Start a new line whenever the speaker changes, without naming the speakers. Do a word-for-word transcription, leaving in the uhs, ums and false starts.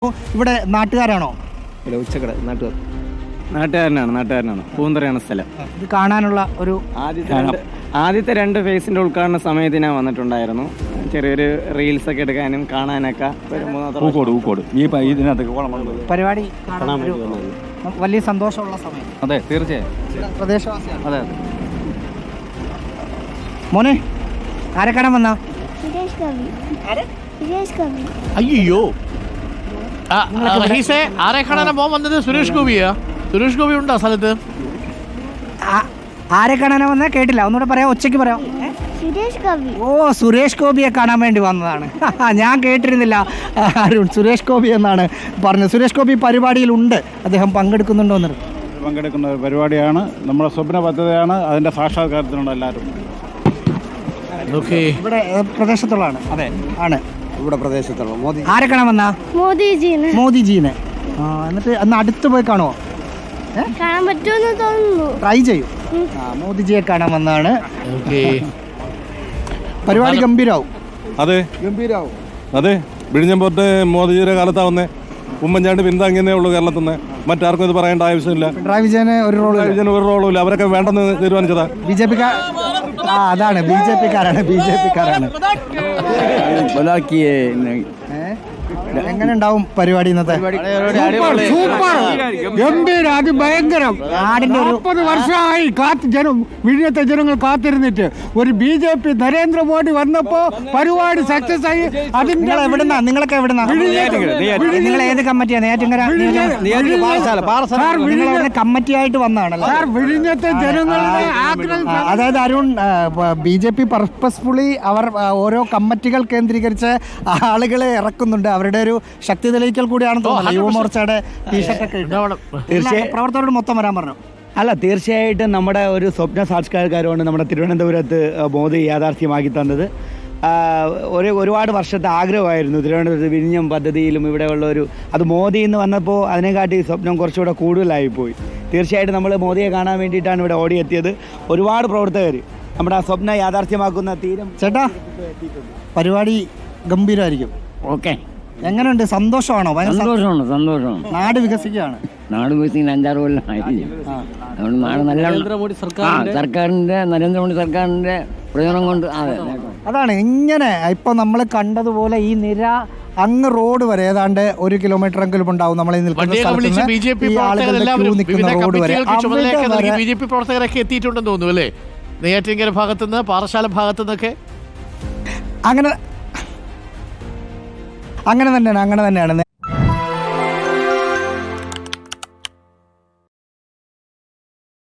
ഇവിടെ നാട്ടുകാരാണോ?
ഇല്ല, ഉച്ചക്കട നാട്ടുകാർ നാട്ടുകാരനാണ് നാട്ടുകാരനാണ് പൂന്തറയാണ് സ്ഥലം.
ഇത് കാണാനുള്ള ഒരു
ആദ്യത്തെ രണ്ട് ആദ്യത്തെ രണ്ട് ഫേസിന്റെ ഉദ്ഘാടന സമയത്ത് ഞാൻ വന്നിട്ടുണ്ടായിരുന്നു. ചെറിയൊരു റീൽസ് ഒക്കെ എടുക്കാനും കാണാനൊക്കെ
പരിപാടി കാണാൻ ഒരു വലിയ സന്തോഷമുള്ള സമയം.
അതെ, തീർച്ചയായും
പ്രദേശവാസിയാണ്.
അതെ
മോനെ, ആരെ കാണാൻ വന്നാ?
അയ്യോ, ആരെ കാണാനാ മോൻ വന്നത്? സുരേഷ് ഗോപിയാ? സുരേഷ് ഗോപി ഉണ്ടോ സ്ഥലത്ത്?
ആരെ കാണാനാ വന്നാ? കേട്ടില്ല, ഒന്നുകൂടെ പറയാം, ഒച്ചയ്ക്ക് പറയാം. ഓ, സുരേഷ് ഗോപിയെ കാണാൻ വേണ്ടി വന്നതാണ്. ഞാൻ കേട്ടിരുന്നില്ല അരുൺ. സുരേഷ് ഗോപി എന്നാണ് പറഞ്ഞത്. സുരേഷ് ഗോപി പരിപാടിയിലുണ്ട്, അദ്ദേഹം പങ്കെടുക്കുന്നുണ്ടോ എന്ന്?
പങ്കെടുക്കുന്ന ഒരു പരിപാടിയാണ്, നമ്മുടെ സ്വപ്ന പദ്ധതിയാണ്, അതിന്റെ സാക്ഷാത്കാരത്തിനുണ്ട് എല്ലാവരും.
ഇവിടെ പ്രദേശത്തുള്ളതാണ്.
അതെ
ആണ്
ഇവിടെ പ്രദേശത്തുള്ള മോദി.
ആരെ കാണാൻ വന്നാ?
മോദിജീനെ.
മോദിജീനെ. ആ, എന്നിട്ട് അന്ന് അടുത്ത് പോയി കാണുമോ?
കാണാൻ പറ്റുമെന്ന് തോന്നുന്നു.
ട്രൈ ചെയ്യും. ആ, മോദിജിയെ കാണാൻ വന്നതാണ്. പരിപാടി ഗംഭീരാവും.
അതെ,
ഗംഭീരാവും.
അതെ. വിഴിഞ്ഞം പോർട്ട് മോദിജിയുടെ കാലത്താ വന്നേ. ഉമ്മൻചാണ്ടി പിന്താങ്ങിയേ ഉള്ളൂ കേരളത്തിൽ നിന്ന്. മറ്റാർക്കും ഇത് പറയേണ്ട ആവശ്യമില്ല.
പിണറായി വിജയന് ഒരു റോൾ
വിജയന് ഒരു റോളും ഇല്ല. അവരൊക്കെ വേണ്ടെന്ന് തീരുമാനിച്ചതാ.
ബി ജെ പി ആ അതാണ് ബി ജെ പിക്കാരാണ് ബി ജെ പിക്കാരാണ് എങ്ങനെ ഉണ്ടാവും പരിപാടി ഇന്നത്തെ?
സൂപ്പർ, ഗംഭീര, അതിഭയങ്കരം.
നാടിന്റെ ഒരു
മുപ്പത് വർഷമായി കാത്ത് ജനം വിഴിഞ്ഞത്തെ ജനങ്ങൾ കാത്തിരുന്നിട്ട് ഒരു ബി ജെ പി നരേന്ദ്രമോദി വന്നപ്പോ പരിപാടി സക്സസ് ആയി.
നിങ്ങൾ എവിടുന്നാ? നിങ്ങളൊക്കെ എവിടുന്നാ? നിങ്ങൾ ഏത് കമ്മിറ്റിയാണ്? നെയ്യാറ്റിൻകര കമ്മിറ്റി ആയിട്ട് വന്നതാണല്ലോ.
സാർ, വിഴിഞ്ഞത്തെ ജനങ്ങളുടെ ആഗ്രഹം.
അതായത് Arun, B J P purposefully അവർ ഓരോ കമ്മിറ്റികൾ കേന്ദ്രീകരിച്ച് ആളുകളെ ഇറക്കുന്നുണ്ട്. അവരുടെ ഒരു ശക്തി തെളിയിക്കൽ കൂടിയാണെന്ന് തോന്നുന്നു. യുവമോർച്ചയുടെ ടീഷർട്ടൊക്കെ തീർച്ചയായും പ്രവർത്തകരോട് മൊത്തം വരാൻ പറഞ്ഞു.
അല്ല, തീർച്ചയായിട്ടും നമ്മുടെ ഒരു സ്വപ്ന സാക്ഷാത്കാരമാണ് നമ്മുടെ തിരുവനന്തപുരത്ത് മോദി യാഥാർത്ഥ്യമാക്കി തന്നത്. ഒരു ഒരുപാട് വർഷത്തെ ആഗ്രഹമായിരുന്നു തിരുവനന്തപുരത്ത് വിഴിഞ്ഞം പദ്ധതിയിലും ഇവിടെയുള്ള ഒരു അത് മോദി എന്ന് വന്നപ്പോൾ അതിനെക്കാട്ടി സ്വപ്നം കുറച്ചുകൂടെ കൂടുതലായിപ്പോയി. തീർച്ചയായിട്ടും നമ്മൾ മോദിയെ കാണാൻ വേണ്ടിയിട്ടാണ് ഇവിടെ ഓടിയെത്തിയത്. ഒരുപാട് പ്രവർത്തകർ നമ്മുടെ ആ സ്വപ്നം യാഥാർത്ഥ്യമാക്കുന്ന തീരം.
ചേട്ടാ, പരിപാടി ഗംഭീരമായിരിക്കും.
ഓക്കെ,
എങ്ങനെയുണ്ട്? സന്തോഷമാണോ?
സന്തോഷമാണ് സന്തോഷമാണ്
നാട് വികസിക്കുകയാണ്.
നാട് വികസിക്കുന്ന അഞ്ചാറ് കൊല്ലം ആയിരിക്കും. അതുകൊണ്ട് നാട് നല്ല സർക്കാരിന്റെ നരേന്ദ്രമോദി സർക്കാരിന്റെ പ്രയോജനം കൊണ്ട്.
അതാണ് ഇങ്ങനെ ഇപ്പൊ നമ്മൾ കണ്ടതുപോലെ ഈ നിര അങ്ങ് റോഡ് വരെ ഏതാണ്ട് ഒരു കിലോമീറ്റർ എങ്കിലും ഉണ്ടാവും. നമ്മൾ
ബി ജെ പി പ്രവർത്തകരൊക്കെ എത്തിയിട്ടുണ്ടെന്ന് തോന്നുന്നു അല്ലേ? നെയ്യാറ്റിൻകര ഭാഗത്തുനിന്ന്, പാറശാല ഭാഗത്തുനിന്നൊക്കെ.
അങ്ങനെ അങ്ങനെ തന്നെയാണ് അങ്ങനെ തന്നെയാണ്